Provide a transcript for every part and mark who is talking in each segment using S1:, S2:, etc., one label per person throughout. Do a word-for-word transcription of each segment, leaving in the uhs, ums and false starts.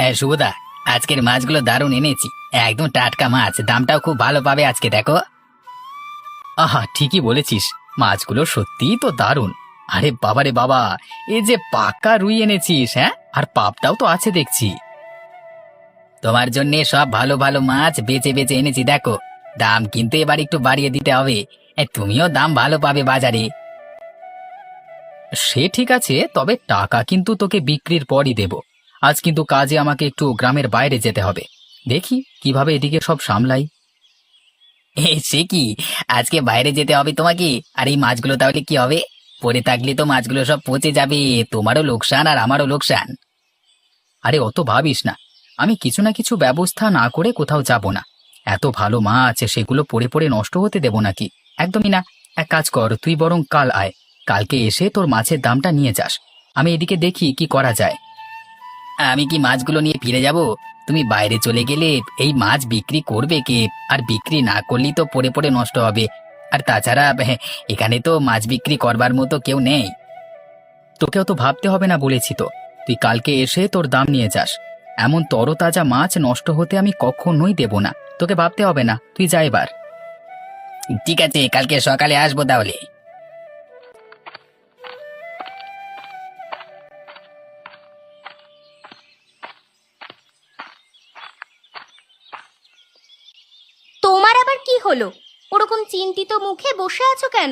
S1: শুভদা, আজকের মাছগুলো দারুণ এনেছি। একদম টাটকা মাছ, দামটাও খুব ভালো পাবে আজকে, দেখো। আহা, ঠিকই বলেছিস, মাছগুলো সত্যিই তো দারুণ। আরে বাবারে বাবা, এই যে পাকা রুই এনেছিস! হ্যাঁ, আর পাপটাও তো আছে দেখছি। তোমার জন্য সব ভালো ভালো মাছ বেছে বেছে এনেছি, দেখো। দাম কিন্তু এবার একটু বাড়িয়ে দিতে হবে। এ, তুমিও দাম ভালো পাবে বাজারে। সে ঠিক আছে, তবে টাকা কিন্তু তোকে বিক্রির পরই দেব। আজ কিন্তু কাজে আমাকে একটু গ্রামের বাইরে যেতে হবে। দেখি কিভাবে এদিকে সব সামলাই। এ, সে কি, আজকে বাইরে যেতে হবে তোমাকে? আর এই মাছগুলো তাহলে কি হবে? পড়ে থাকলে তো মাছগুলো সব পচে যাবে, তোমারও লোকসান আর আমারও লোকসান। আরে অত ভাবিস না, আমি কিছু না কিছু ব্যবস্থা না করে কোথাও যাব না। এত ভালো মাছ, সেগুলো পড়ে পড়ে নষ্ট হতে দেব নাকি? একদমই না। এক কাজ কর, তুই বরং কাল আয়। কালকে এসে তোর মাছের দামটা নিয়ে যাস। আমি এদিকে দেখি কি করা যায়। আমি কি মাছগুলো নিয়ে ফিরে যাব? তুমি বাইরে চলে গেলে এই মাছ বিক্রি করবে কে? আর বিক্রি না করলেই তো পড়ে পড়ে নষ্ট হবে। আর তাছাড়া হ্যাঁ, এখানে তো মাছ বিক্রি করবার মতো কেউ নেই। তোকেও তো ভাবতে হবে না বলেছি তো। তুই কালকে এসে তোর দাম নিয়ে যাস। এমন তরতাজা মাছ নষ্ট হতে আমি কখনোই দেব না। তোকে ভাবতে হবে না, তুই যা এবার। ঠিক আছে, কালকে সকালে আসবো তাহলে।
S2: তোমার আবার কি হলো? ওরকম চিন্তিত মুখে বসে আছো কেন?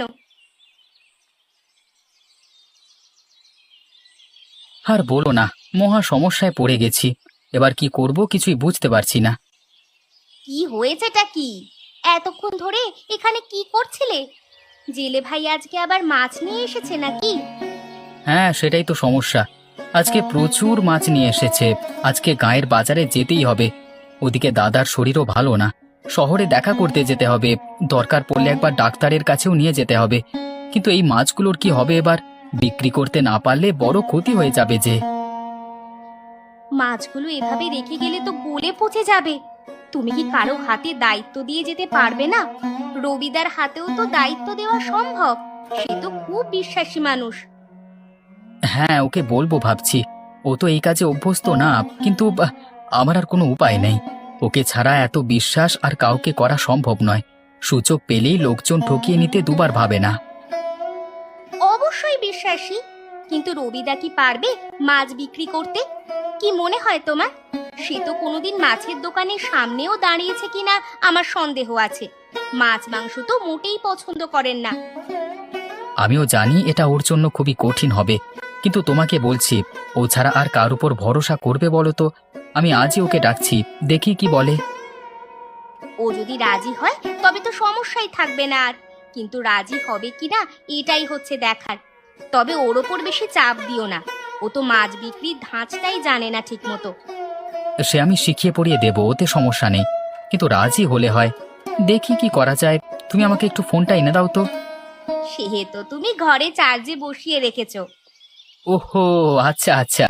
S1: আর বলো না, মহা সমস্যায় পড়ে গেছি। এবার কি করব কিছুই বুঝতে পারছি না।
S2: কি হয়েছেটা কি? এতক্ষণ ধরে এখানে কি করছিলে? জেলে ভাই আজকে আবার মাছ নিয়ে এসেছে নাকি?
S1: হ্যাঁ, সেটাই তো সমস্যা। আজকে প্রচুর মাছ নিয়ে এসেছে। আজকে গায়ের বাজারে যেতেই হবে। ওদিকে দাদার শরীরও ভালো না। শহরে দেখা করতে যেতে হবে। দরকার পড়লে একবার ডাক্তারের কাছেও নিয়ে যেতে হবে। কিন্তু এই মাছগুলোর কি হবে এবার? বিক্রি করতে না পারলে বড় ক্ষতি হয়ে যাবে যে।
S2: মাছগুলো এভাবে রেখে গেলে তো গলে পচে যাবে। তুমি কি কারো হাতে দায়িত্ব দিয়ে যেতে পারবে না? রবিদার হাতেও তো দায়িত্ব দেওয়া সম্ভব। সে তো খুব বিশ্বাসী মানুষ।
S1: হ্যাঁ, ওকে বলবো ভাবছি। ও তো এই কাজে অভ্যস্ত না, কিন্তু আহ, আমার আর কোনো উপায় নেই। ওকে ছাড়া এত বিশ্বাস আর কাউকে করা সম্ভব নয়। সুযোগ পেলেই লোকজন ঠকিয়ে নিতে দুবার ভাবে না।
S2: অবশ্যই বিশ্বাসী, কিন্তু রবিদা কি পারবে মাছ বিক্রি করতে? কি মনে হয় তোমার? সে তো কোনোদিন মাছের দোকানের সামনেও দাঁড়িয়েছে কিনা আমার সন্দেহ আছে। মাছ মাংস তো মোটেই পছন্দ করেন না।
S1: আমিও জানি এটা ওর জন্য খুবই কঠিন হবে, কিন্তু তোমাকে বলছি, ও ছাড়া আর কার উপর ভরসা করবে বলো তো? আমি আজই ওকে ডাকছি, দেখি কি বলে।
S2: ও যদি রাজি হয় তবে তো সমস্যাই থাকবে না আর। কিন্তু রাজি হবে কিনা এটাই হচ্ছে দেখার। তবে ওর ওপর বেশি চাপ দিও না। ও তো মাছ বিক্রির ধাঁচটাই জানে না ঠিক মতো।
S1: সে আমি শিখিয়ে পড়িয়ে দেবো, ওতে সমস্যা নেই। কিন্তু রাজি হলে হয়। দেখি কি করা যায়। তুমি আমাকে একটু ফোনটা এনে দাও তো।
S2: সে তো তুমি ঘরে চার্জে বসিয়ে রেখেছো।
S1: ওহো, আচ্ছা আচ্ছা।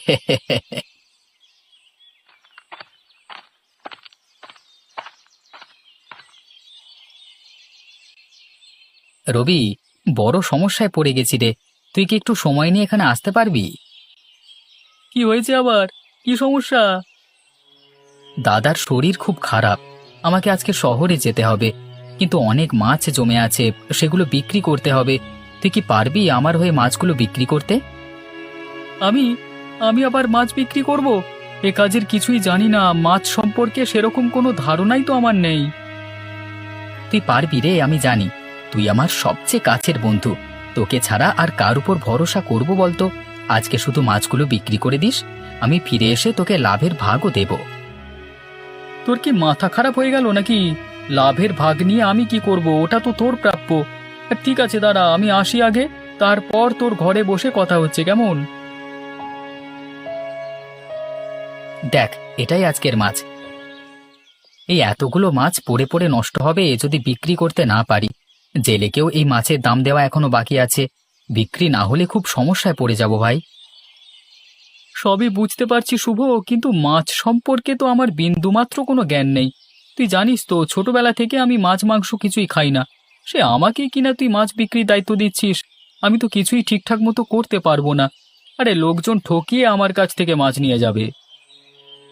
S1: রবি, বড় সমস্যায় পড়ে গেছি রে। তুই কি একটু সময় নিয়ে এখানে আসতে পারবি? কি হয়েছে আবার? কি সমস্যা? দাদার শরীর খুব খারাপ। আমাকে আজকে শহরে যেতে হবে। কিন্তু অনেক মাছ জমে আছে, সেগুলো বিক্রি করতে হবে। তুই কি পারবি আমার হয়ে মাছগুলো বিক্রি করতে? আমি আমি আবার মাছ বিক্রি করব? এ কাজের কিছুই জানি না। মাছ সম্পর্কে সেরকম কোনো ধারণাই তো আমার নেই। তুই পারবি রে, আমি জানি। তুই আমার সবচেয়ে কাছের বন্ধু। তোকে ছাড়া আর কার উপর ভরসা করব বলতো? আজকে শুধু মাছগুলো বিক্রি করে দিস, আমি ফিরে এসে তোকে লাভের ভাগও দেব। তোর কি মাথা খারাপ হয়ে গেল নাকি? লাভের ভাগ নিয়ে আমি কি করব? ওটা তো তোর প্রাপ্য। ঠিক আছে, দাঁড়া, আমি আসি আগে, তারপর তোর ঘরে বসে কথা হচ্ছে, কেমন? দেখ, এটাই আজকের মাছ। এই এতগুলো মাছ পড়ে পড়ে নষ্ট হবে যদি বিক্রি করতে না পারি। জেলেকেও এই মাছের দাম দেওয়া এখনো বাকি আছে। বিক্রি না হলে খুব সমস্যায় পড়ে যাব ভাই। সবই বুঝতে পারছি শুভ, কিন্তু মাছ সম্পর্কে তো আমার বিন্দুমাত্র কোনো জ্ঞান নেই। তুই জানিস তো, ছোটবেলা থেকে আমি মাছ মাংস কিছুই খাই না। সে আমাকে কিনা তুই মাছ বিক্রির দায়িত্ব দিচ্ছিস? আমি তো কিছুই ঠিকঠাক মতো করতে পারবো না। আরে লোকজন ঠকিয়ে আমার কাছ থেকে মাছ নিয়ে যাবে।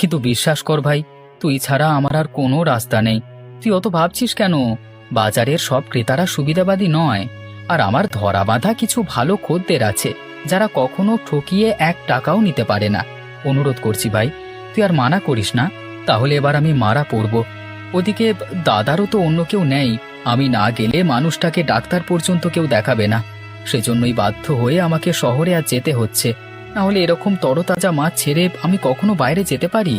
S1: কিন্তু বিশ্বাস কর ভাই, তুই ছাড়া আমার আর কোনো রাস্তা নেই। তুই অত ভাবছিস কেন? বাজারের সব ক্রেতারা সুবিধাবাদী নয়। আর আমার ধরা বাঁধা কিছু ভালো খদ্দের আছে, যারা কখনো ঠকিয়ে এক টাকাও নিতে পারে না। অনুরোধ করছি ভাই, তুই আর মানা করিস না, তাহলে এবার আমি মারা পড়ব। ওদিকে দাদারও তো অন্য কেউ নেই, আমি না গেলে মানুষটাকে ডাক্তার পর্যন্ত কেউ দেখাবে না। সেজন্যই বাধ্য হয়ে আমাকে শহরে আর যেতে হচ্ছে, না হলে এরকম তরতাজা মাছ ছেড়ে আমি কখনো বাইরে যেতে পারি?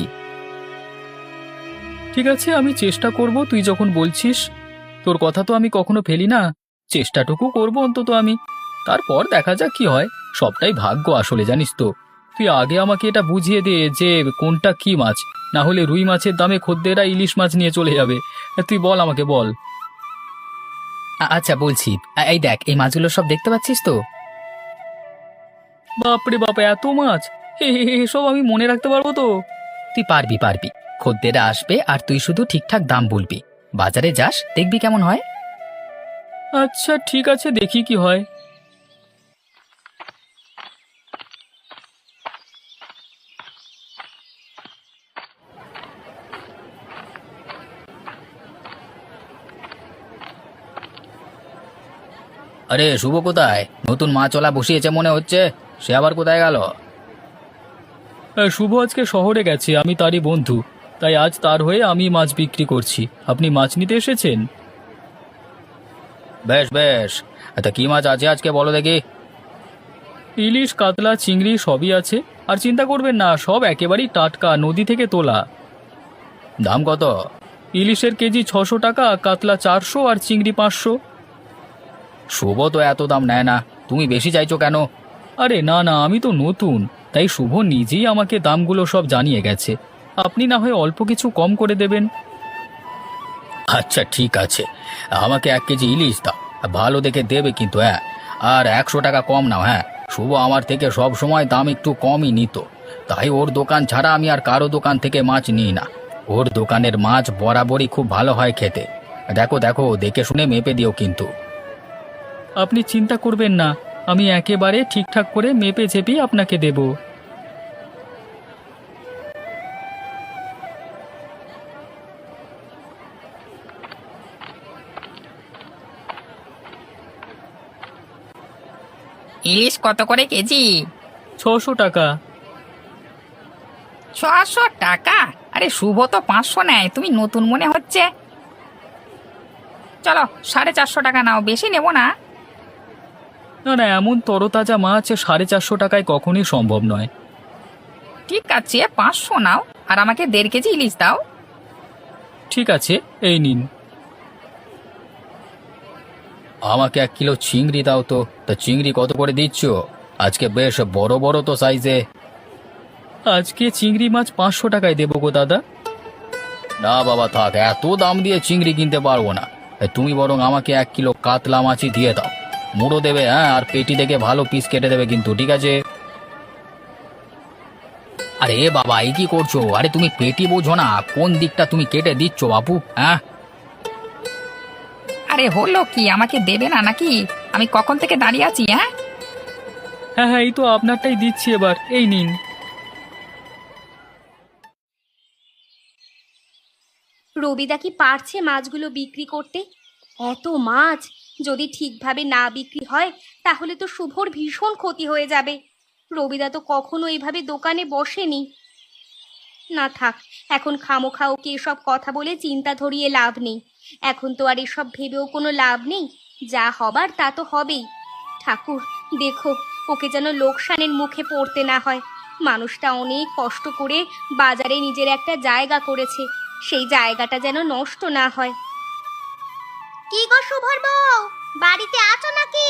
S1: ঠিক আছে, আমি চেষ্টা করব, তুই যখন বলছিস। তোর কথা তো আমি কখনো ফেলি না, চেষ্টাটুকু করব অন্তত আমি। তারপর দেখা যাক কি হয়, সবটাই ভাগ্য আসলে, জানিস তো। তুই আগে আমাকে এটা বুঝিয়ে দে যে কোনটা কি মাছ, না হলে রুই মাছের দামে খদ্দেররা ইলিশ মাছ নিয়ে চলে যাবে। তুই বল, আমাকে বল। আ- আচ্ছা বলছি, আ- এই দেখ, এই মাছগুলো সব দেখতে পাচ্ছিস তো? বাপরে বাপ, এত মাছ! হে হে হে, এসব আমি মনে রাখতে পারবো তো? তুই পারবি পারবি, খদ্দেররা আসবে আর তুই শুধু ঠিকঠাক দাম বলবি। বাজারে যাস, দেখবি কেমন হয়। আচ্ছা ঠিক আছে, দেখি কি হয়। আরে শুভ কোথায়? নতুন মাছওয়ালা বসিয়েছে মনে হচ্ছে, সে আবার কোথায় গেল? শুভ আজকে শহরে গেছে, আমি তারই বন্ধু, তাই আজ তার হয়ে আমি মাছ বিক্রি করছি। আপনি মাছ নিতে এসেছেন? বেশ বেশ, তা কি মাছ আছে আজকে বলো দেখি। ইলিশ, কাতলা, চিংড়ি সবই আছে। আর চিন্তা করবেন না, সব একেবারেই টাটকা, নদী থেকে তোলা। দাম কত? ইলিশের কেজি ছশো টাকা, কাতলা চারশো আর চিংড়ি পাঁচশো। শুভ তো এত দাম নেয় না, তুমি বেশি চাইছো কেন? আরে না না, আমি তো নতুন, তাই শুভ নিজেই আমাকে দামগুলো সব জানিয়ে গেছে। আপনি না হয় অল্প কিছু কম করে দেবেন। আচ্ছা ঠিক আছে, আমাকে এক কেজি ইলিশ দাও, ভালো দেখে দেবে কিন্তু, হ্যাঁ। আর একশো টাকা কম নাও, হ্যাঁ। শুভ আমার থেকে সব সময় দাম একটু কমই নিত, তাই ওর দোকান ছাড়া আমি আর কারো দোকান থেকে মাছ নিই না। ওর দোকানের মাছ বরাবরই খুব ভালো হয় খেতে। দেখো দেখো, দেখে শুনে মেপে দিও কিন্তু। আপনি চিন্তা করবেন না, আমি একেবারে ঠিকঠাক করে মেপে ঝেপেই আপনাকে দেব।
S3: ইলিশ কত করে কেজি?
S1: ছশো টাকা।
S3: ছশো টাকা? আরে শুভ তো পাঁচশো নেয়, তুমি নতুন মনে হচ্ছে। চলো সাড়ে চারশো টাকা নাও, বেশি নেবো না।
S1: না না, এমন তরতাজা মাছ সাড়ে চারশো টাকায় কখনই সম্ভব নয়।
S3: ঠিক আছে, পাঁচশো নাও, আর আমাকে দেড় কেজি ইলিশ দাও।
S1: ঠিক আছে, এই নিন। আমাকে এক কিলো চিংড়ি দাও তো। তা চিংড়ি কত করে দিচ্ছ? আজকে বেশ বড় বড় তো সাইজে। আজকে চিংড়ি মাছ পাঁচশো টাকায় দেবো গো দাদা। না বাবা থাক, এত দাম দিয়ে চিংড়ি কিনতে পারবো না। এ, তুমি বরং আমাকে এক কিলো কাতলা মাছই দিয়ে দাও। মুড়ো দেবে, হ্যাঁ, আর পেটি দেখে ভালো পিস কেটে দেবে কিন্তু, ঠিক আছে? আরে বাবা, এই কি করছো? আরে তুমি পেটি বোঝো না, কোন দিকটা তুমি কেটে দিচ্ছ বাপু, হ্যাঁ?
S3: আরে হলো কি, আমাকে দেবে না নাকি? আমি কখন থেকে দাঁড়িয়ে আছি। হ্যাঁ
S1: হ্যাঁ হ্যাঁ, এই তো আপনারটাই দিচ্ছি এবার, এই নিন।
S2: রবিদা কি পারছে মাছগুলো বিক্রি করতে? এত মাছ যদি ঠিকভাবে না বিক্রি হয় তাহলে তো শুভর ভীষণ ক্ষতি হয়ে যাবে। রবিদা তো কখনো এইভাবে দোকানে বসেনি। না থাক, এখন খামোখা ওকে এসব কথা বলে চিন্তা ধরিয়ে লাভ নেই। এখন তো আর এসব ভেবেও কোনো লাভ নেই, যা হবার তা তো হবেই। ঠাকুর দেখো, ওকে যেন লোকসানের মুখে পড়তে না হয়। মানুষটা অনেক কষ্ট করে বাজারে নিজের একটা জায়গা করেছে, সেই জায়গাটা যেন নষ্ট না হয়। কি গো শুভর বউ, বাড়িতে আছো নাকি?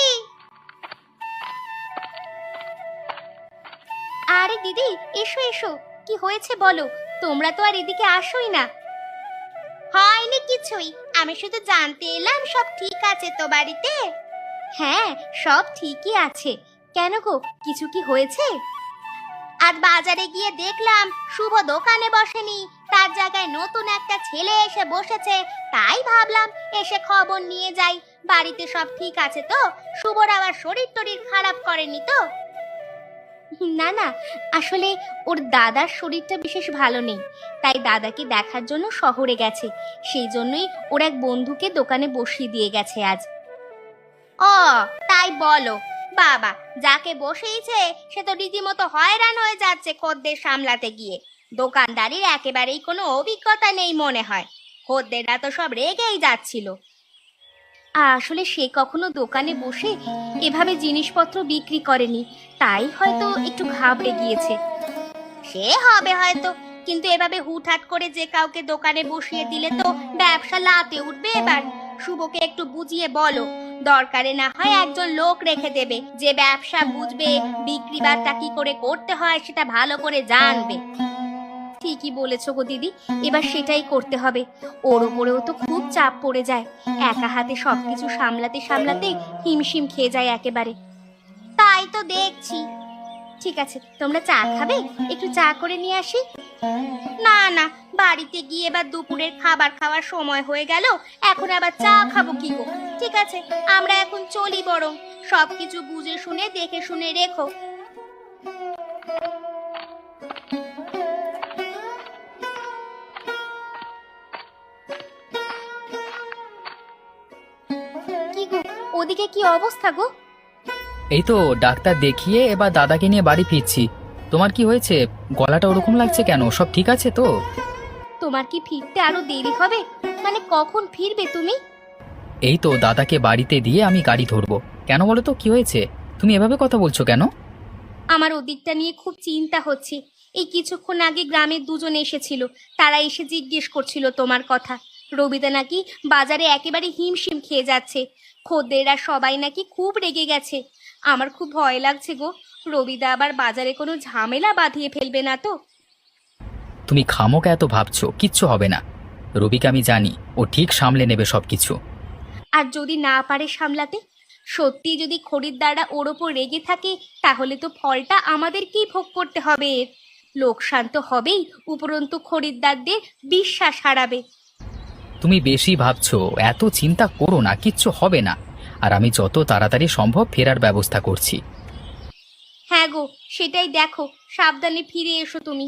S2: আরে দিদি, এসো এসো, কি হয়েছে বলো? তোমরা তো আর এদিকে আসোই না। হয়নি কিছুই, আমি শুধু জানতে এলাম সব ঠিক আছে তো বাড়িতে। হ্যাঁ, সব ঠিকই আছে। কেন গো, কিছু কি হয়েছে? আজ বাজারে গিয়ে দেখলাম শুভ দোকানে বসেনি, তার জায়গায় নতুন একটা ছেলে এসে বসেছে। তাই ভাবলাম এসে খবর নিয়ে যাই, বাড়িতে সব ঠিক আছে তো, শুভর আবার শরীর টরীর খারাপ করেনি তো? না না, আসলে ওর দাদার শরীরটা বিশেষ ভালো নেই, তাই দাদাকে দেখার জন্য শহরে গেছে। সেই জন্যই ওর এক বন্ধুকে দোকানে বসিয়ে দিয়ে গেছে আজ। ও তাই বলো? বাবা, যাকে বসিয়েছে সে তো রীতিমতো হয়রান হয়ে যাচ্ছে খদ্দের সামলাতে গিয়ে। দোকানদারির একেবারেই কোনো অভিজ্ঞতা নেই মনে হয়। খদ্দেররা তো সব রেগেই যাচ্ছিল। আসলে সে কখনো দোকানে বসে এভাবে জিনিসপত্র বিক্রি করেনি, তাই হয়তো একটু ঘাবড়ে গিয়েছে। সে হবে হয়তো, কিন্তু এভাবে হুটহাট করে যে কাউকে দোকানে বসিয়ে দিলে তো ব্যবসা লাতে উঠবে। এবার শুভকে একটু বুঝিয়ে বলো, দরকারে না হয় একজন লোক রেখে দেবে যে ব্যবসা বুঝবে, বিক্রি বাট্টা কি করে করতে হয় সেটা ভালো করে জানবে। ঠিকই বলেছো গো দিদি, এবার সেটাই করতে হবে। ওর ওপরেও তো খুব চাপ পড়ে যায়, একা হাতে সবকিছু সামলাতে সামলাতে হিমশিম খেয়ে যায় একেবারে। তাই তো দেখছি। ঠিক আছে, তোমরা চা খাবে? একটু চা করে নিয়ে আসি। না না, বাড়িতে গিয়ে এবার দুপুরের খাবার খাওয়ার সময় হয়ে গেল, এখন আবার চা খাবো কি গো? ঠিক আছে, আমরা এখন চলি, বরং সবকিছু বুঝে শুনে দেখে শুনে রেখো। কি গো, ওদিকে কি অবস্থা গো?
S1: এই তো ডাক্তার দেখিয়ে এবার দাদাকে নিয়ে বাড়ি ফিরছি। তোমার কি হয়েছে? গলাটা ওরকম লাগছে কেন? সব ঠিক আছে তো?
S2: তোমার কি ফিরতে আরো দেরি হবে? মানে কখন ফিরবে তুমি?
S1: এই তো দাদাকে বাড়িতে দিয়ে আমি গাড়ি ধরবো। কেন বলো তো, কি হয়েছে? তুমি এভাবে কথা বলছো কেন?
S2: আমার ওদিকটা নিয়ে খুব চিন্তা হচ্ছে। এই কিছুক্ষণ আগে গ্রামের দুজন এসেছিল, তারা এসে জিজ্ঞেস করছিল তোমার কথা। রবিদা নাকি বাজারে একেবারে হিমশিম খেয়ে যাচ্ছে, খদ্দেররা সবাই নাকি খুব রেগে গেছে। আমার খুব ভয় লাগছে গো, রবিদা আবার বাজারে কোনো ঝামেলা বাঁধিয়ে ফেলবে না তো?
S1: তুমি খামোকা এত ভাবছো, কিচ্ছু হবে না। রবিকে আমি জানি, ও ঠিক সামলে নেবে সবকিছু।
S2: আর যদি না পারে সামলাতে, সত্যি যদি খরিদ্দাররা ওর ওপর রেগে থাকে, তাহলে তো ফলটা আমাদেরকেই ভোগ করতে হবে। এর লোকসান তো হবেই, উপরন্তু খরিদ্দারদের বিশ্বাস হারাবে।
S1: তুমি বেশি ভাবছো, এত চিন্তা করো না, কিচ্ছু হবে না। আর আমি যত তাড়াতাড়ি সম্ভব ফেরার ব্যবস্থা করছি।
S2: হ্যাঁ গো, সেটাই দেখো, সাবধানে ফিরে এসো তুমি।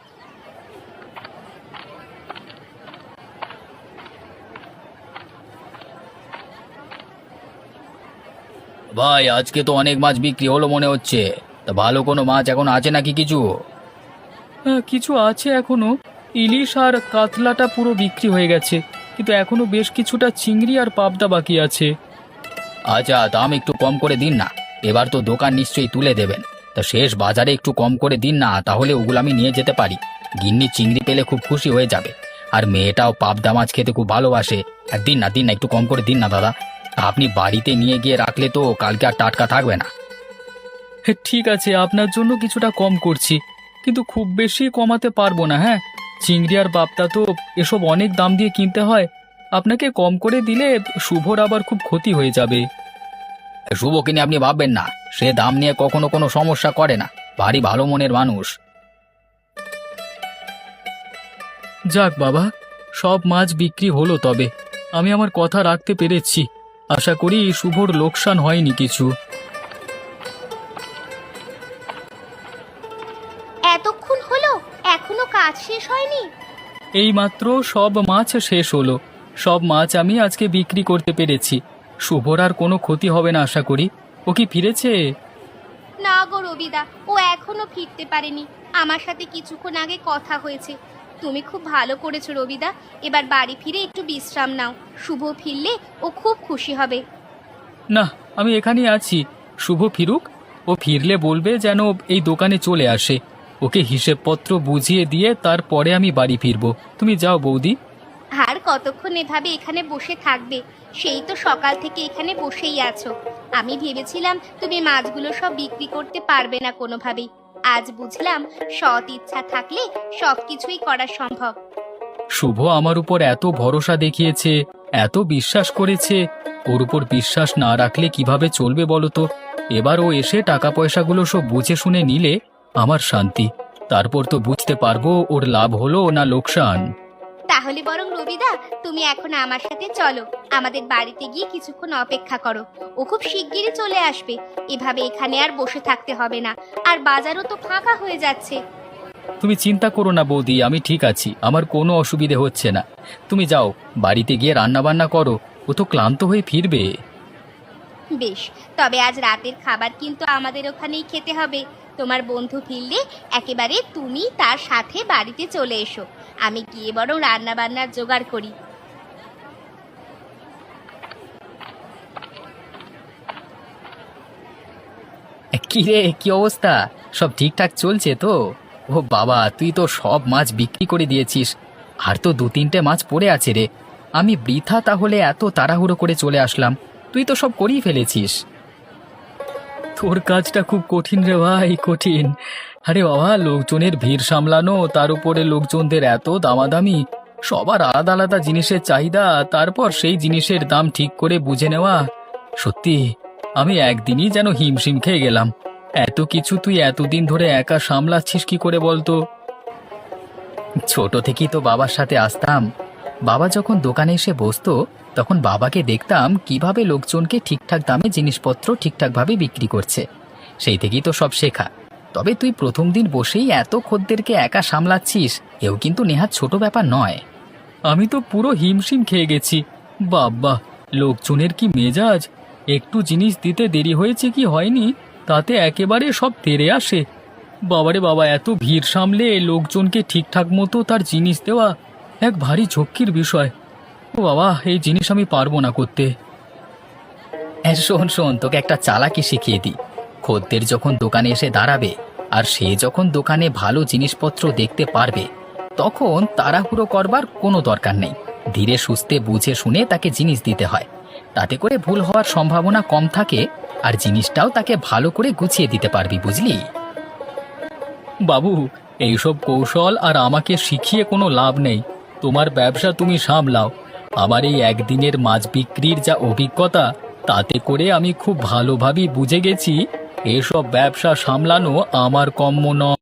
S1: ভাই, আজকে তো অনেক মাছ বিক্রি হলো মনে হচ্ছে। তা ভালো কোনো মাছ এখন আছে নাকি কিছু? হ্যাঁ, কিছু আছে এখনো। ইলিশ আর কাতলাটা পুরো বিক্রি হয়ে গেছে, কিন্তু এখনো বেশ কিছুটা চিংড়ি আর পাবদা বাকি আছে। আচ্ছা, দাম একটু কম করে দিন না। এবার তো দোকান নিশ্চয়ই তুলে দেবেন, তা শেষ বাজারে একটু কম করে দিন না, তাহলে ওগুলো আমি নিয়ে যেতে পারি। গিন্নি চিংড়ি পেলে খুব খুশি হয়ে যাবে, আর মেয়েটাও পাবদা মাছ খেতে খুব ভালোবাসে। আর দিন না, দিন না, একটু কম করে দিন না দাদা। আপনি বাড়িতে নিয়ে গিয়ে রাখলে তো কালকে আর টাটকা থাকবে না। ঠিক আছে, আপনার জন্য কিছুটা কম করছি, কিন্তু খুব বেশি কমাতে পারবো না। হ্যাঁ, চিংড়ি আর পাবদা তো এসব অনেক দাম দিয়ে কিনতে হয়। আপনাকে কম করে দিলে শুভর আবার খুব ক্ষতি হয়ে যাবে। শুভকে নিয়ে আপনি ভাববেন না, সে দাম নিয়ে কখনো কোনো সমস্যা করে না, ভারী ভালো মনের মানুষ। যাক বাবা, সব মাছ বিক্রি হলো, তবে আমি আমার কথা রাখতে পেরেছি। আশা করি শুভর লোকসান হয়নি কিছু।
S2: এতক্ষণ হলো, এখনো কাজ শেষ হয়নি?
S1: এইমাত্র সব মাছ শেষ হলো। সব মাছ আমি আজকে বিক্রি করতে পেরেছি। শুভর আর কোনো ক্ষতি হবে না আশা করি। ও কি ফিরেছে?
S2: না গো রবিদা, ও এখনো ফিরতে পারেনি। আমার সাথে কিছুক্ষণ আগে কথা হয়েছে। তুমি খুব ভালো করেছো রবিদা, এবার বাড়ি ফিরে একটু বিশ্রাম নাও। শুভ ফিরলে ও খুব খুশি হবে।
S1: না, আমি এখানেই আছি। শুভ ফিরুক, ও ফিরলে বলবে যেন এই দোকানে চলে আসে। ওকে হিসেবপত্র বুঝিয়ে দিয়ে তারপরে আমি বাড়ি ফিরবো। তুমি যাও বৌদি।
S2: আর কতক্ষণ এভাবে এখানে বসে থাকবে? সেই তো সকাল থেকে এখানে বসেই আছো। আমি ভেবেছিলাম তুমি মাছগুলো সব বিক্রি করতে পারবে না কোনোভাবেই। আজ বুঝলাম সৎ ইচ্ছা থাকলে সবকিছুই করা সম্ভব।
S1: শুভ আমার উপর এত ভরসা দেখিয়েছে, এত বিশ্বাস করেছে। ওর উপর বিশ্বাস না রাখলে কিভাবে চলবে বলো তো? এবার ও এসে টাকা পয়সাগুলো সব বুঝে শুনে নিলে আমার শান্তি। তারপর তো বুঝতে পারবো ওর লাভ হলো না লোকসান।
S2: তাহলে বরং রবিদা, তুমি এখন আমার সাথে চলো, আমাদের বাড়িতে গিয়ে কিছুক্ষণ অপেক্ষা করো। ও খুব শিগগিরই চলে আসবে। এভাবে এখানে আর বসে থাকতে হবে না, আর বাজারও তো ফাঁকা হয়ে যাচ্ছে।
S1: তুমি চিন্তা করো না বৌদি, আমি ঠিক আছি, আমার কোনো অসুবিধে হচ্ছে না। তুমি যাও, বাড়িতে গিয়ে রান্না বান্না করো, ও তো ক্লান্ত হয়ে ফিরবে।
S2: বেশ, তবে আজ রাতের খাবার কিন্তু আমাদের ওখানেই খেতে হবে। তোমার বন্ধু ফিরলে একেবারে তুমি তার সাথে বাড়িতে চলে এসো। আমি গিয়ে বরং রান্না বান্নার জোগাড় করি।
S1: কি রে, কি অবস্থা? সব ঠিকঠাক চলছে তো? ও বাবা, তুই তো সব মাছ বিক্রি করে দিয়েছিস, আর তো দু তিনটে মাছ পড়ে আছে রে। আমি বৃথা তাহলে এত তাড়াহুড়ো করে চলে আসলাম, তুই তো সব করেই ফেলেছিস। তোর কাজটা খুব কঠিন রে ভাই, কঠিন। আরে বাবা, লোকজনের ভিড় সামলানো, তার উপরে লোকজনদের এত দামাদামি, সবার আলাদা আলাদা জিনিসের চাহিদা, তারপর সেই জিনিসের দাম ঠিক করে বুঝে নেওয়া। সত্যি আমি একদিনই যেন হিমশিম খেয়ে গেলাম। এত কিছু তুই এতদিন ধরে একা সামলাচ্ছিস কি করে বলতো? ছোট থেকেই তো বাবার সাথে আসতাম। বাবা যখন দোকানে এসে বসতো, তখন বাবাকে দেখতাম কিভাবে লোকজনকে ঠিকঠাক দামে জিনিসপত্র ঠিকঠাকভাবে বিক্রি করছে। সেই থেকেই তো সব শেখা। তবে তুই প্রথম দিন বসেই এত খদ্দেরকে একা সামলাচ্ছিস, এও কিন্তু নেহাত ছোট ব্যাপার নয়। আমি তো পুরো হিমশিম খেয়ে গেছি। বাবা, লোকজনের কি মেজাজ! একটু জিনিস দিতে দেরি হয়েছে কি হয়নি, তাতে একেবারে সব তেড়ে আসে। বাবারে বাবা, এত ভিড় সামলে লোকজনকে ঠিকঠাক মতো তার জিনিস দেওয়া এক ভারী ঝক্কির বিষয়। ও বাবা, এই জিনিস আমি পারবো না করতে। হ্যাঁ, শোন শোন, তোকে একটা চালাকি শিখিয়ে দিই। খদ্দের যখন দোকানে এসে দাঁড়াবে, আর সে যখন দোকানে ভালো জিনিসপত্র দেখতে পারবে, তখন তাড়াহুড়ো করবার কোনো দরকার নেই। ধীরে সুস্থে বুঝে শুনে তাকে জিনিস দিতে হয়। তাতে করে ভুল হওয়ার সম্ভাবনা কম থাকে, আর জিনিসটাও তাকে ভালো করে গুছিয়ে দিতে পারবি, বুঝলি? বাবু, এইসব কৌশল আর আমাকে শিখিয়ে কোনো লাভ নেই। তোমার ব্যবসা তুমি সামলাও। আমার এই একদিনের মাছ বিক্রির যা অভিজ্ঞতা, তাতে করে আমি খুব ভালোভাবেই বুঝে গেছি এসব ব্যবসা সামলানো আমার কম্ম নয়।